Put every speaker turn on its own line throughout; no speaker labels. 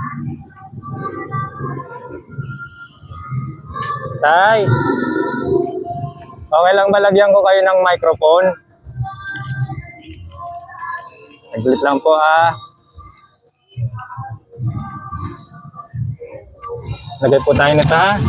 Tay, okay lang ba lagyan ko kayo ng microphone? Saglit lang po ah. Lagay po tayo nito ha.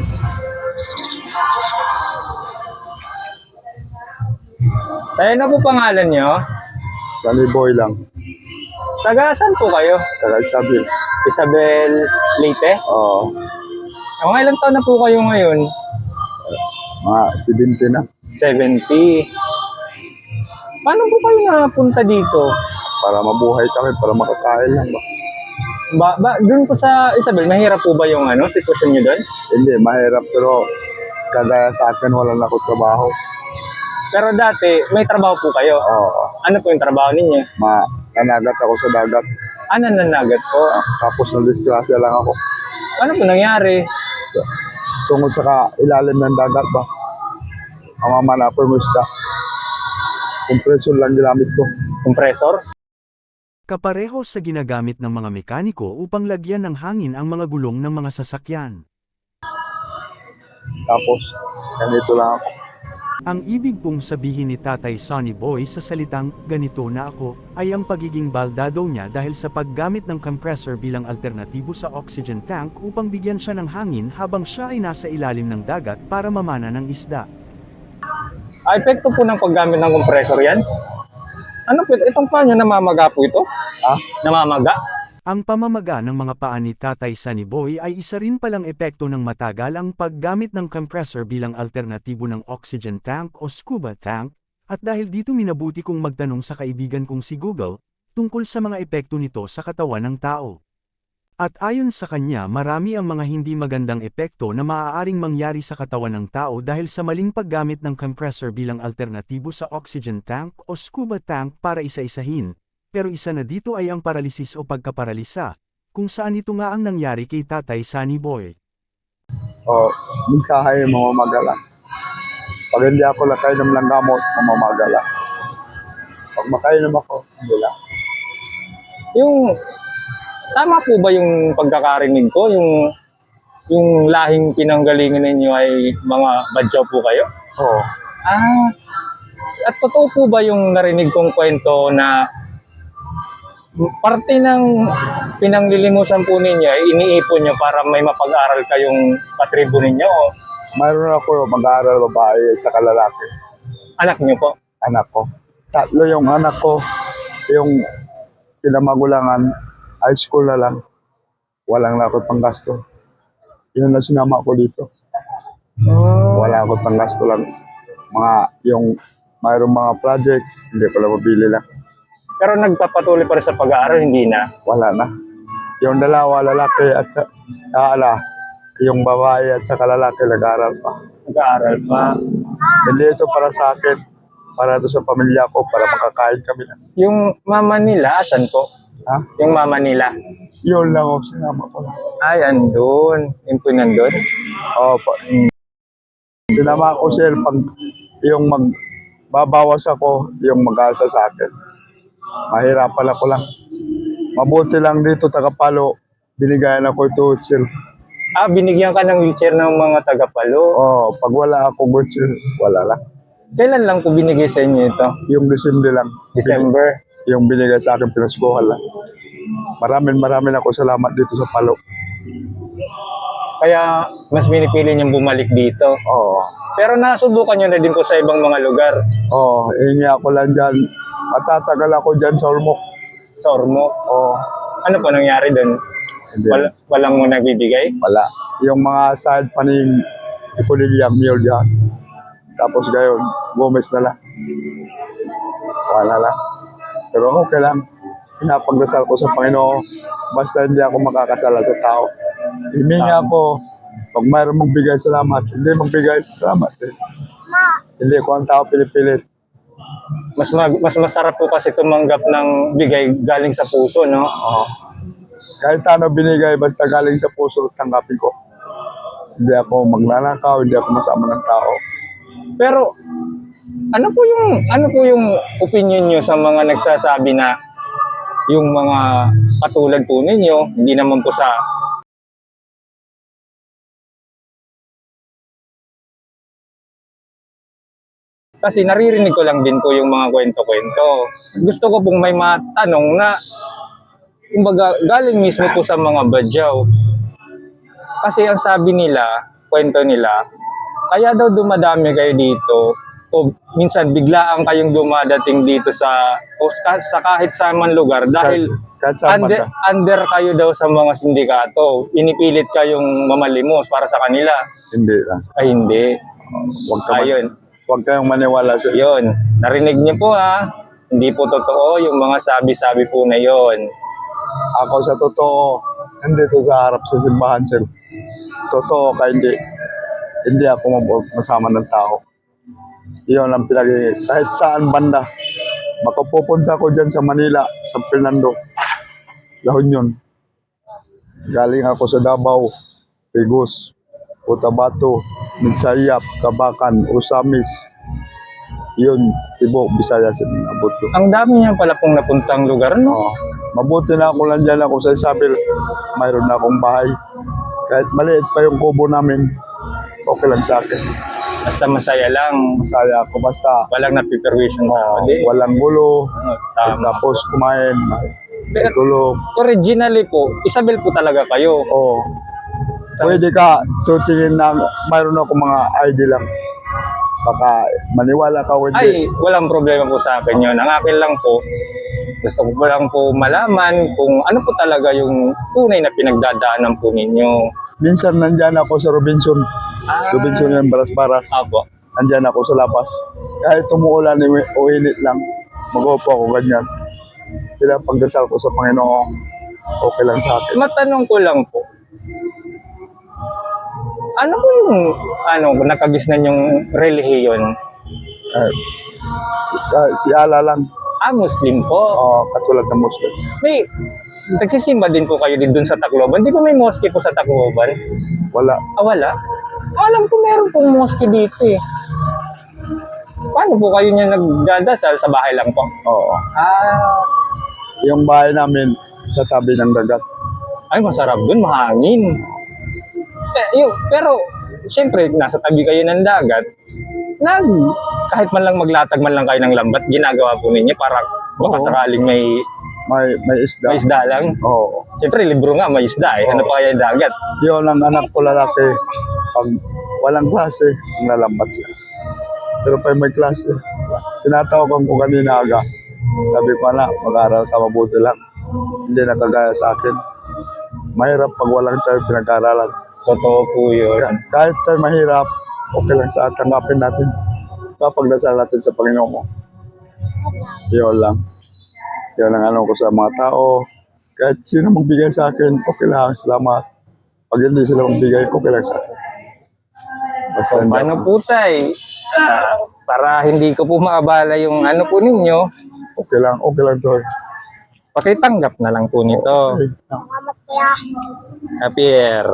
Tayo na po pangalan nyo?
Sunny Boy lang.
Taga saan po kayo?
Tagal sabi.
Isabel Leyte?
Oo.
Mga ilang taon na po kayo ngayon?
Mga 70 na.
70. Paano po kayo napunta dito?
Para mabuhay kami, para makakain lang ba?
Doon po sa Isabel, mahirap po ba yung sitwasyon nyo doon?
Hindi, mahirap pero kagaya sa akin wala na ako trabaho.
Pero dati, may trabaho po kayo.
Oo.
Ano po yung trabaho ninyo?
Nanagat ako sa dagat.
Ano nanagat po?
Tapos na-disgrasya lang ako.
Ano po nangyari?
Tungkol sa ilalim ng dagat ba? Ang mamanapor mo isda. Kompresyon lang ginamit ko.
Compressor?
Kapareho sa ginagamit ng mga mekaniko upang lagyan ng hangin ang mga gulong ng mga sasakyan.
Tapos, ganito lang ako.
Ang ibig pong sabihin ni Tatay Sunny Boy sa salitang, ganito na ako, ay ang pagiging baldado niya dahil sa paggamit ng compressor bilang alternatibo sa oxygen tank upang bigyan siya ng hangin habang siya ay nasa ilalim ng dagat para mamana ng isda.
Epekto po ng paggamit ng compressor yan? Ano po, itong paa nyo namamaga po ito?
Ha?
Namamaga?
Ang pamamaga ng mga paa ni Tatay Sunny Boy ay isa rin palang epekto ng matagal ang paggamit ng compressor bilang alternatibo ng oxygen tank o scuba tank, at dahil dito minabuti kong magtanong sa kaibigan kong si Google, tungkol sa mga epekto nito sa katawan ng tao. At ayon sa kanya marami ang mga hindi magandang epekto na maaaring mangyari sa katawan ng tao dahil sa maling paggamit ng compressor bilang alternatibo sa oxygen tank o scuba tank para isa-isahin. Pero isa na dito ay ang paralisis o pagkaparalisa, kung saan ito nga ang nangyari kay Tatay Sunny Boy.
Minsahay mamamagala. Pag hindi ako nakainom ng gamot, mamamagala. Pag makainom ako, hindi lang.
Tama po ba yung pagkakarinig ko? Yung lahing pinanggalingan ninyo ay mga badyaw po kayo?
Oo.
At totoo po ba yung narinig kong kwento na parte ng pinanglilimusan po ninyo ay iniipon nyo para may mapag-aral kayong patribo ninyo? O
Mayroon ako mag-aaral babae sa kalalaki.
anak nyo po?
Anak ko. 3 yung anak ko. Yung pinamagulangan, high school na lang. Walang na ako panggasto. Yun na sinama ko dito. Wala ako panggasto lang. Mayroong mga project, hindi pala mabili lang.
Pero nagpapatuloy pa rin sa pag-aaral, hindi na?
Wala na. Yung dalawa, lalaki at yung babae at saka lalaki, nag-aaral pa.
Nag-aaral pa.
Hindi ito para sa akin, para ito sa pamilya ko, para makakain kami na.
Yung mama nila, asan po?
Ha?
Yung mama nila?
Yun lang ako, sinama ko lang.
Ay, andun. Yung po nandun?
Opo. Sinama ko sir, pag yung magbabawas ako, yung mag-aalsa sa akin. Mahirapan ako lang. Mabuti lang dito, Tagapalo, binigayan ako ito, sir.
Binigyan ka ng wheelchair ng mga Tagapalo.
Pag wala ako, sir, wala lang.
Kailan lang po binigay sa inyo ito?
Yung December lang.
December?
Yung binigay sa akin, pinaskuhan lang. Maraming ako salamat dito sa Palo.
Kaya mas pinipili niyong bumalik dito.
Oo.
Pero nasubukan niyo na din po sa ibang mga lugar.
Oo, hingi ako lang dyan. Matatagal ako dyan sa Ormoc.
Sa Ormoc.
Oo.
Ano po nangyari doon?
Hindi.
Walang mo nagbibigay?
Wala. Yung mga side paning ipunilyang mule dyan. Tapos gayon, Gomez na lang. Wala lang. Pero okay lang. Pinapagdasal ko sa Panginoon. Basta hindi ako makakasala sa tao. Himingi ako. Pag mayroon magbigay salamat, hindi magbigay salamat. Hindi ko ang tao pinipilit.
Mas masarap po kasi tumanggap ng bigay galing sa puso, no?
Oo. Kahit ano binigay, basta galing sa puso, tanggapin ko. Hindi ako magnanakaw, hindi ako masama ng tao.
Pero ano po yung opinion niyo sa mga nagsasabi na yung mga katulad po ninyo, hindi naman po sa kasi naririnig ko lang din po yung mga kwento-kwento. Gusto ko pong may matanong na kumbaga galing mismo po sa mga badyaw. Kasi ang sabi nila, kwento nila, kaya daw dumadami kayo dito o minsan biglaan kayong dumadating dito sa sa kahit sa man lugar dahil
Kahit saan
under,
banda.
under kayo daw sa mga sindikato. Pinipilit kayong mamalimos para sa kanila.
Hindi lang.
Ay hindi. Ayun.
Huwag kayong maniwala sa
Yun. Narinig niyo po ha. Hindi po totoo yung mga sabi-sabi po na yon.
ako sa totoo. Hindi to sa harap sa simbahan, sir. Totoo ka hindi. Hindi ako masama ng tao. Iyon ang kahit saan banda. Makapupunta ko dyan sa Manila, San Fernando, La Union. Galing ako sa Davao, Pigus, Cotabato, Midsayap, Kabakan, Usamis. Yun, Tibo, Visayas, abot ko.
Ang dami niya pala pong napuntang lugar, no?
Oo. Mabuti na ako lang dyan ako sa Isabel. Mayroon na akong bahay. Kahit maliit pa yung kubo namin, okay lang sa akin.
Basta masaya lang.
Masaya ako basta
Walang napiperwisyon na.
walang gulo.
Tama.
Tapos kumain,
Pero
tulog.
originally po, Isabel po talaga kayo.
Oo. Pwede ka tutingin na mayroon ako mga ID lang. Baka maniwala ka o hindi.
Ay, walang problema po sa akin yun. Ang akin lang po, gusto ko lang po malaman kung ano po talaga yung tunay na pinagdadaanan po ninyo.
Minsan nandyan ako sa Robinson. Robinson yung baras-baras.
Apo.
Nandyan ako sa labas. Kahit umuulan o init lang, mag-upo ako ganyan. Pinapagdasal ko sa Panginoon. Okay lang sa akin.
Matanong ko lang po, ano po yung nakagisnan yung relihiyon?
Si Allah lang.
Muslim po.
Katulad ng Muslim.
May, nagsisimba din po kayo din dun sa Tacloban. Di ba may mosque po sa Tacloban?
Wala.
Wala? Alam ko meron pong mosque dito eh. Paano po kayo niya nagdadasal? Sa bahay lang po?
Oo.
Ah,
Yung bahay namin sa tabi ng dagat.
ay masarap dun, mahangin. Pero, siyempre, nasa tabi kayo ng dagat, kahit man lang maglatag man lang kayo ng lambat, ginagawa po ninyo para baka
Oo.
sakaling may
May isda.
isda lang.
Oo.
Siyempre, libro nga, may isda eh. Ano pa kaya yung dagat?
Yun ang anak ko lalaki. Pag walang klase, nalambat siya. Pero pag may klase, tinatawagan ko kanina aga. Sabi ko na, mag-aaral ka mabuti lang. Hindi na kagaya sa akin. Mahirap pag walang tayo pinag-aaralan.
Totoo po yun.
Kahit tayo mahirap, okay lang sa atin. Tanggapin natin. Papagdasal natin sa Panginoon mo. Yun lang. Yun ang ano ko sa mga tao. Kahit sino magbigay sa akin, okay lang. Salamat. Pag hindi sila magbigay, okay lang sa akin. Basta hindi
Paano
ako-
po tay? Para hindi ko po maabala yung ano po ninyo,
Okay lang to.
pakitanggap na lang po nito.
Okay.
Javier.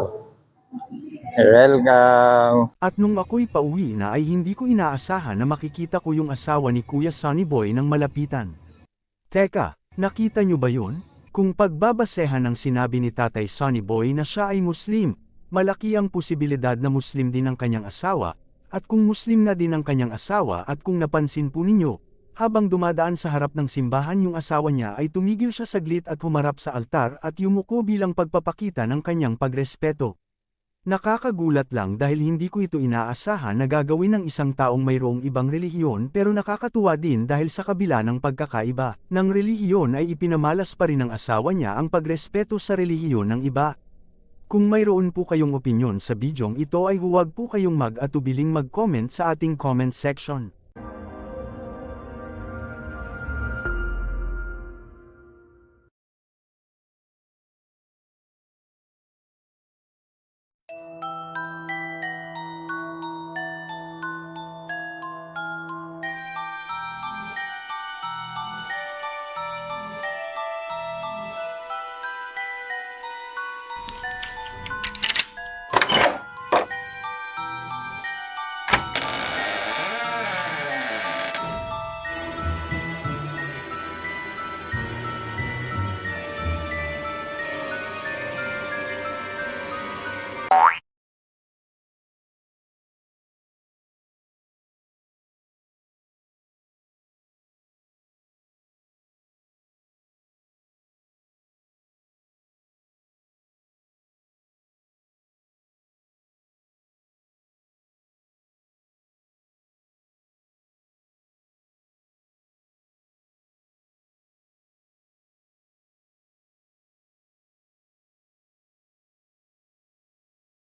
Welcome.
At nung ako'y pauwi na ay hindi ko inaasahan na makikita ko yung asawa ni Kuya Sonny Boy ng malapitan. Teka, nakita nyo ba yun? Kung pagbabasehan ng sinabi ni Tatay Sonny Boy na siya ay Muslim, malaki ang posibilidad na Muslim din ang kanyang asawa, at kung Muslim na din ang kanyang asawa at kung napansin po ninyo, habang dumadaan sa harap ng simbahan yung asawa niya ay tumigil siya saglit at humarap sa altar at yumuko bilang pagpapakita ng kanyang pagrespeto. Nakakagulat lang dahil hindi ko ito inaasahan na gagawin ng isang taong mayroong ibang relihiyon pero nakakatuwa din dahil sa kabila ng pagkakaiba ng relihiyon ay ipinamalas pa rin ng asawa niya ang pagrespeto sa relihiyon ng iba. Kung mayroon po kayong opinyon sa bidyong ito ay huwag po kayong mag-atubiling mag-comment sa ating comment section.